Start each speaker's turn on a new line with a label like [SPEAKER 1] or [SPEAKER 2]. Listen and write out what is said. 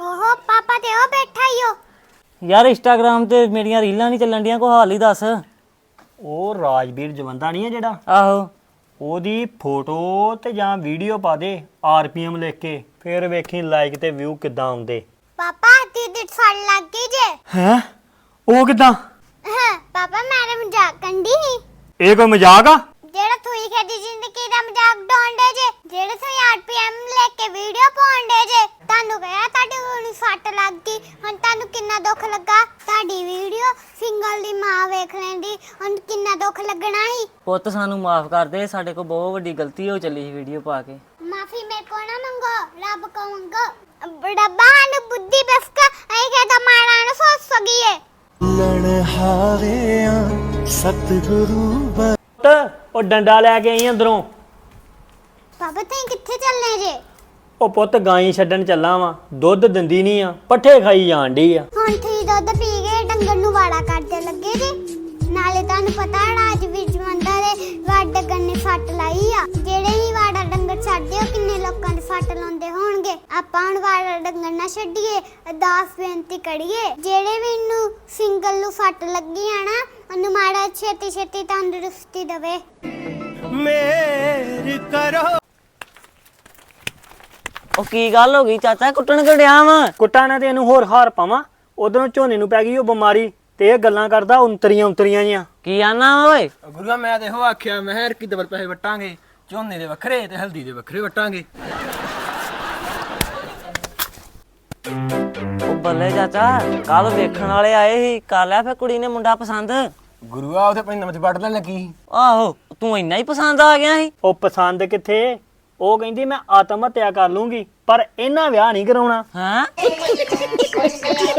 [SPEAKER 1] ओहो पापा ते ओ बैठा ही हो
[SPEAKER 2] यार इंस्टाग्राम ते मेरियां रीलां नहीं ਚੱਲਣ ਡੀਆਂ, ਕੋਈ ਹਾਲ ਹੀ ਦੱਸ।
[SPEAKER 3] ਉਹ ਰਾਜਵੀਰ ਜਵੰਦਾ ਨਹੀਂ ਹੈ ਜਿਹੜਾ,
[SPEAKER 2] ਆਹੋ
[SPEAKER 3] ਉਹਦੀ ਫੋਟੋ ਤੇ ਜਾਂ ਵੀਡੀਓ ਪਾ ਦੇ ਆਰਪੀਐਮ ਲਿਖ ਕੇ, ਫਿਰ ਵੇਖੀ ਲਾਈਕ ਤੇ ਵਿਊ ਕਿੱਦਾਂ ਆਉਂਦੇ।
[SPEAKER 1] पापा दीदी सड़ लग गई जे
[SPEAKER 3] ਹੈ ਉਹ ਕਿੱਦਾਂ?
[SPEAKER 1] हाँ, पापा मेरे मजाक कंडी ही
[SPEAKER 3] ਇਹ ਕੋਈ ਮਜ਼ਾਕ ਆ?
[SPEAKER 1] जेड़ा थोई खेदी जिंदगी दा मजाक डोंडे जे जेड़े थोई आरपीएम लेके वीडियो पाउंडे जे तानू कहा ताडी गोली सट लग गई हुन तानू किन्ना दुख लगा ताडी वीडियो सिंगल दी मां वेख लेंदी हुन किन्ना दुख लगना ही।
[SPEAKER 2] ਪੁੱਤ ਸਾਨੂੰ ਮਾਫ ਕਰ ਦੇ, ਸਾਡੇ ਕੋਲ ਬਹੁਤ ਵੱਡੀ ਗਲਤੀ ਹੋ ਚੱਲੀ ਸੀ ਵੀਡੀਓ ਪਾ ਕੇ।
[SPEAKER 1] माफी मेरे को ना मंगो रब को मंगो रब्बा नु बुद्धि बसका आई के दा मारा न सोच सगी है
[SPEAKER 4] ਲਣ ਹਾਰਿਆ ਸਤਿਗੁਰੂ
[SPEAKER 3] ਉਹ ਡੰਡਾ ਲੈ ਕੇ ਆਈ ਅੰਦਰੋਂ।
[SPEAKER 1] पापा तई किथे चलने जे
[SPEAKER 3] ਉਹ ਪੁੱਤ ਗਾਈ ਛੱਡਣ ਚੱਲਾਂ ਵਾਂ, ਦੁੱਧ ਦਿੰਦੀ ਨਹੀਂ ਆ, ਪੱਠੇ ਖਾਈ ਜਾਣ ਡਈ ਆ।
[SPEAKER 1] ਹੁਣ ਤੁਸੀਂ ਦੁੱਧ ਪੀ ਕੇ ਡੰਗਰ ਨੂੰ ਵਾੜਾ ਕਰਦੇ ਲੱਗੇ ਜੀ ਨਾਲੇ ਤੁਹਾਨੂੰ ਪਤਾ ਰਾਜਵੀਰ ਜਵੰਦਾ ਦੇ ਵਾੜਾ ਗੰਨੇ ਫੱਟ ਲਾਈ ਆ ਜਿਹੜੇ ਹੀ ਵਾੜਾ ਡੰਗਰ ਛੱਡਦੇ ਉਹ ਕਿੰਨੇ ਲੋਕਾਂ ਦੇ ਫੱਟ ਲਾਉਂਦੇ ਹੋਣਗੇ। ਆਪਾਂ ਹੁਣ ਵਾੜਾ ਡੰਗਰ ਨਾ ਛੱਡੀਏ, ਅਰਦਾਸ ਬੇਨਤੀ ਕਰੀਏ ਜਿਹੜੇ ਵੀ ਨੂੰ ਸਿੰਗਲ ਨੂੰ ਫੱਟ ਲੱਗੀ ਆ ਨਾ ਉਹਨੂੰ ਮਾੜਾ ਛੇਤੀ ਛੇਤੀ ਤੰਦਰੁਸਤੀ ਦੇਵੇ।
[SPEAKER 4] ਮੇਰ ਕਰੋ।
[SPEAKER 2] ਉਹ ਕੀ ਗੱਲ ਹੋ ਗਈ ਚਾਚਾ, ਕੁੱਟਣ ਕੜਿਆ ਵਾ?
[SPEAKER 3] ਕੁੱਟਾਂ ਨੇ ਤੇ ਇਹਨੂੰ ਹੋਰ ਹਾਰ ਪਾਵਾਂ, ਉਧਰੋਂ ਝੋਨੇ ਨੂੰ ਪੈ ਗਈ ਉਹ ਬਿਮਾਰੀ ਤੇ ਇਹ ਗੱਲਾਂ ਕਰਦਾ ਉਂਤਰੀਆਂ ਜੀਆਂ।
[SPEAKER 2] ਕੀ ਆਨਾ ਓਏ?
[SPEAKER 5] ਗੁਰੂਆ ਮੈਂ ਤੇ ਇਹੋ ਆਖਿਆ ਮੈਂ ਹਰ ਕੀ ਦਬਲ ਪੈਸੇ ਵਟਾਂਗੇ, ਝੋਨੇ ਦੇ ਵੱਖਰੇ ਤੇ ਹਲਦੀ ਦੇ ਵੱਖਰੇ ਵਟਾਂਗੇ।
[SPEAKER 2] ਉਹ ਬੱਲੇ ਚਾਚਾ, ਕੱਲ ਵੇਖਣ ਵਾਲੇ ਆਏ ਸੀ, ਕਰ ਲਿਆ ਫਿਰ ਕੁੜੀ ਨੇ ਮੁੰਡਾ ਪਸੰਦ?
[SPEAKER 5] ਗੁਰੂਆ ਉਥੇ ਪੈਂਦਾ ਵਿੱਚ ਵੜ ਲੈਣ ਲੱਗੀ।
[SPEAKER 2] ਆਹੋ ਤੂੰ ਇੰਨਾ ਹੀ ਪਸੰਦ ਆ ਗਿਆ ਸੀ?
[SPEAKER 3] ਉਹ ਪਸੰਦ ਕਿੱਥੇ, ਉਹ ਕਹਿੰਦੀ ਮੈਂ ਆਤਮ ਹੱਤਿਆ ਕਰ ਲੂੰਗੀ ਪਰ ਇਹਨਾਂ ਵਿਆਹ ਨਹੀਂ ਕਰਾਉਣਾ।
[SPEAKER 2] ਹਾਂ